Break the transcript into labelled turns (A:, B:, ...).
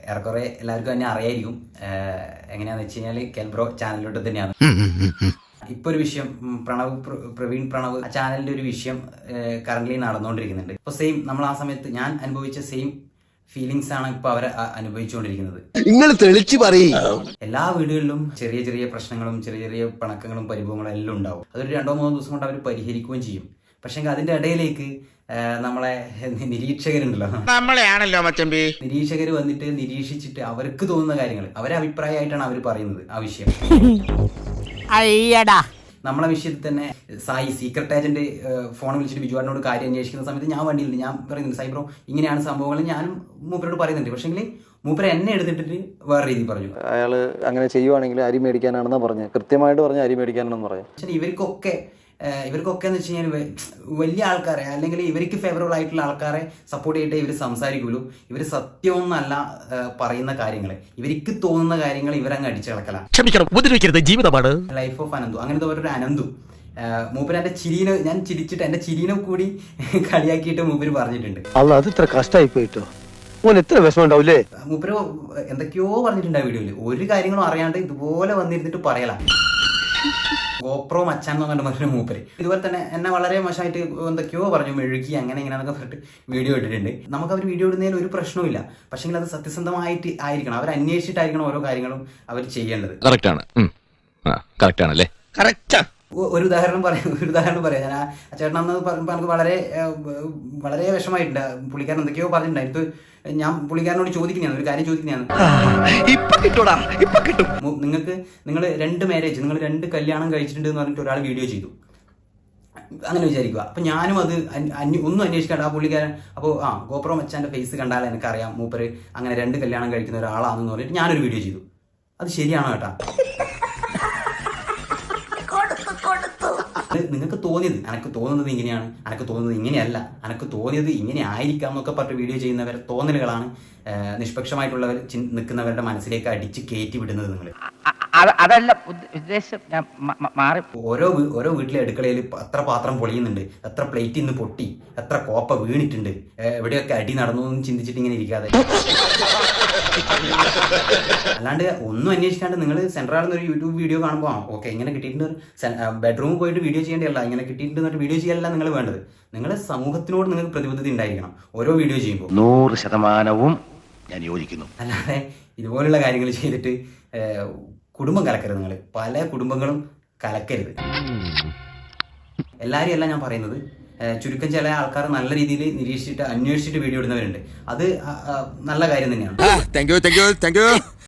A: ഏറെക്കുറെ എല്ലാവർക്കും തന്നെ അറിയായിരിക്കും. എങ്ങനെയാണെന്ന് വെച്ച് കഴിഞ്ഞാൽ കെൽബ്രോ ചാനലിലോട്ട് തന്നെയാണ്. ഇപ്പോൾ ഒരു വിഷയം പ്രവീൺ പ്രണവ് ആ ചാനലിന്റെ ഒരു വിഷയം കറന്റ് നടന്നുകൊണ്ടിരിക്കുന്നുണ്ട്. ഇപ്പോൾ സെയിം നമ്മൾ ആ സമയത്ത് ഞാൻ അനുഭവിച്ച സെയിം ഫീലിങ്സ് ആണ് ഇപ്പൊ അവർ അനുഭവിച്ചുകൊണ്ടിരിക്കുന്നത്.
B: നിങ്ങൾ തെളിച്ചു പറയും.
A: എല്ലാ വീടുകളിലും ചെറിയ ചെറിയ പ്രശ്നങ്ങളും ചെറിയ ചെറിയ പിണക്കങ്ങളും പരിഭവങ്ങളും എല്ലാം ഉണ്ടാവും. അതൊരു 2-3 ദിവസം കൊണ്ട് അവർ പരിഹരിക്കുകയും ചെയ്യും. പക്ഷെ അതിന്റെ ഇടയിലേക്ക് നമ്മളെ നിരീക്ഷകരുണ്ടല്ലോ,
C: നമ്മളെയാണല്ലോ മച്ചമ്പി,
A: നിരീക്ഷകർ വന്നിട്ട് നിരീക്ഷിച്ചിട്ട് അവർക്ക് തോന്നുന്ന കാര്യങ്ങൾ അവരെ അഭിപ്രായമായിട്ടാണ് അവർ പറയുന്നത്. ആ വിഷയം നമ്മളെ വിഷയത്തിൽ തന്നെ സായി സീക്രട്ട് ഏജന്റ് ഫോൺ വിളിച്ചിട്ട് ബിജുവാടിനോട് കാര്യം അന്വേഷിക്കുന്ന സമയത്ത് ഞാൻ വണ്ടിയിലുണ്ട്. ഞാൻ പറയുന്നുണ്ട് സൈബ്രോ ഇങ്ങനെയാണ് സംഭവങ്ങൾ, ഞാനും മൂപ്പരോട് പറയുന്നുണ്ട്. പക്ഷെങ്കിൽ മൂപ്പര എന്നെ എടുത്തിട്ട് വേറെ രീതി പറഞ്ഞു.
D: അയാള് അങ്ങനെ ചെയ്യുവാണെങ്കിൽ അരി മേടിക്കാനാണെന്ന് പറഞ്ഞു, കൃത്യമായിട്ട് പറഞ്ഞ അരി മേടിക്കാനാണെന്ന് പറയാം.
A: പക്ഷേ ഇവർക്കൊക്കെ എന്ന് വെച്ച് കഴിഞ്ഞാൽ വലിയ ആൾക്കാരെ അല്ലെങ്കിൽ ഇവർക്ക് ഫേവറബിൾ ആയിട്ടുള്ള ആൾക്കാരെ സപ്പോർട്ട് ചെയ്തിട്ടേ ഇവർ സംസാരിക്കുള്ളൂ. ഇവർ സത്യമൊന്നല്ല പറയുന്ന കാര്യങ്ങൾ, ഇവർക്ക് തോന്നുന്ന കാര്യങ്ങൾ ഇവരങ്ങ് അടിച്ചു കളക്കലാണ്.
C: ക്ഷമിക്കണം, ഉപദ്രവിക്കരുത്, ജീവിതമാണ്.
A: ലൈഫ് ഓഫ് അനന്തു അങ്ങനത്തെ ഒരു അനന്തു മൂപ്പര് എന്റെ ചിരീനെ ഞാൻ ചിരിച്ചിട്ട് എന്റെ ചിരീനെ കൂടി കളിയാക്കിയിട്ട് മൂപ്പര് പറഞ്ഞിട്ടുണ്ട്.
B: അത് ഇത്ര കഷ്ടമായി പോയിട്ടോ, എത്ര വിഷമം ഉണ്ടാവില്ലേ.
A: മൂപ്പര് എന്തൊക്കെയോ പറഞ്ഞിട്ടുണ്ട് ആ വീഡിയോയില്. ഒരു കാര്യങ്ങളും അറിയാണ്ട് ഇതുപോലെ വന്നിരുന്നിട്ട് പറയലാ. ഗോപ്രോ മച്ചാൻ എന്ന് പറഞ്ഞിട്ട് മൂപ്പര് ഇതുപോലെ തന്നെ എന്നെ വളരെ മോശമായിട്ട് എന്തൊക്കെയോ പറഞ്ഞു, മെഴുകി അങ്ങനെ ഇങ്ങനെയാണെന്നൊക്കെ പറഞ്ഞിട്ട് വീഡിയോ ഇട്ടിട്ടുണ്ട്. നമുക്ക് അവർ വീഡിയോ ഇടുന്നതിൽ ഒരു പ്രശ്നവുമില്ല. പക്ഷെങ്കിൽ അത് സത്യസന്ധമായിട്ട് ആയിരിക്കണം, അവർ അന്വേഷിച്ചിട്ടായിരിക്കണം ഓരോ കാര്യങ്ങളും അവർ ചെയ്യേണ്ടത്.
C: കറക്റ്റ് ആണല്ലേ?
A: ഒരു ഉദാഹരണം പറയാം. ഞാൻ ആ ചേട്ടൻ അന്ന് പറയുമ്പോൾ എനിക്ക് വളരെ വിഷമായിട്ടുണ്ട്. പുള്ളിക്കാരൻ എന്തൊക്കെയോ പറഞ്ഞിട്ടുണ്ടായിരുന്നു. ഞാൻ പുള്ളിക്കാരനോട് ചോദിക്കുന്നതാണ്, ഒരു കാര്യം ചോദിക്കുന്നതാണ്. നിങ്ങൾ 2 മാരേജ്, നിങ്ങൾ 2 കല്യാണം കഴിച്ചിട്ടുണ്ട് എന്ന് പറഞ്ഞിട്ട് ഒരാൾ വീഡിയോ ചെയ്തു, അങ്ങനെ വിചാരിക്കുക. അപ്പൊ ഞാനും അത് ഒന്നും അന്വേഷിക്കാണ്ട് ആ പുള്ളിക്കാരൻ അപ്പോൾ ഗോപ്രോ മച്ചാന്റെ ഫേസ് കണ്ടാൽ എനിക്കറിയാം മൂപ്പര് അങ്ങനെ 2 കല്യാണം കഴിക്കുന്ന ഒരാളാണെന്ന് പറഞ്ഞിട്ട് ഞാനൊരു വീഡിയോ ചെയ്തു. അത് ശരിയാണോ കേട്ടാ? നിങ്ങൾക്ക് തോന്നിയത് എനിക്ക് തോന്നുന്നത് ഇങ്ങനെയാണ്, എനിക്ക് തോന്നുന്നത് ഇങ്ങനെയല്ല, എനിക്ക് തോന്നിയത് ഇങ്ങനെ ആയിരിക്കാം എന്നൊക്കെ പറഞ്ഞിട്ട് വീഡിയോ ചെയ്യുന്നവരെ തോന്നലുകളാണ് നിഷ്പക്ഷമായിട്ടുള്ളവർ നിൽക്കുന്നവരുടെ മനസ്സിലേക്ക് അടിച്ച് കയറ്റി വിടുന്നത്. നിങ്ങൾ
E: അതല്ല ഉദ്ദേശം,
A: ഓരോ വീട്ടിലെ അടുക്കളയിൽ എത്ര പാത്രം പൊളിയുന്നുണ്ട്, എത്ര പ്ലേറ്റ് ഇന്ന് പൊട്ടി, എത്ര കോപ്പ വീണിട്ടുണ്ട്, എവിടെയൊക്കെ അടി നടന്നു എന്ന് ചിന്തിച്ചിട്ട് ഇങ്ങനെ ഇരിക്കാതെ, അല്ലാണ്ട് ഒന്നും അന്വേഷിക്കാണ്ട് നിങ്ങൾ സെൻട്രൽ ഒരു യൂട്യൂബ് വീഡിയോ കാണുമ്പോൾ ഓക്കെ ഇങ്ങനെ കിട്ടിയിട്ടുണ്ട്, ബെഡ്റൂമിൽ പോയിട്ട് വീഡിയോ ചെയ്യേണ്ടതല്ല, ഇങ്ങനെ കിട്ടിയിട്ടുണ്ട് വീഡിയോ ചെയ്യല്ല നിങ്ങൾ വേണ്ടത്. നിങ്ങളെ സമൂഹത്തിനോട് നിങ്ങൾക്ക് പ്രതിബദ്ധത ഉണ്ടായിരിക്കണം ഓരോ വീഡിയോ ചെയ്യുമ്പോൾ.
B: 100% ഞാൻ യോജിക്കുന്നു.
A: അല്ലാതെ ഇതുപോലുള്ള കാര്യങ്ങൾ ചെയ്തിട്ട് കുടുംബം കലക്കരുത്. നിങ്ങൾ പല കുടുംബങ്ങളും കലക്കരുത്. എല്ലാവരും അല്ല ഞാൻ പറയുന്നത്, ചുരുക്കം ചില ആൾക്കാർ നല്ല രീതിയിൽ നിരീക്ഷിച്ചിട്ട് അന്വേഷിച്ചിട്ട് വീഡിയോ ഇടുന്നവരുണ്ട്. അത് നല്ല കാര്യം തന്നെയാണ്.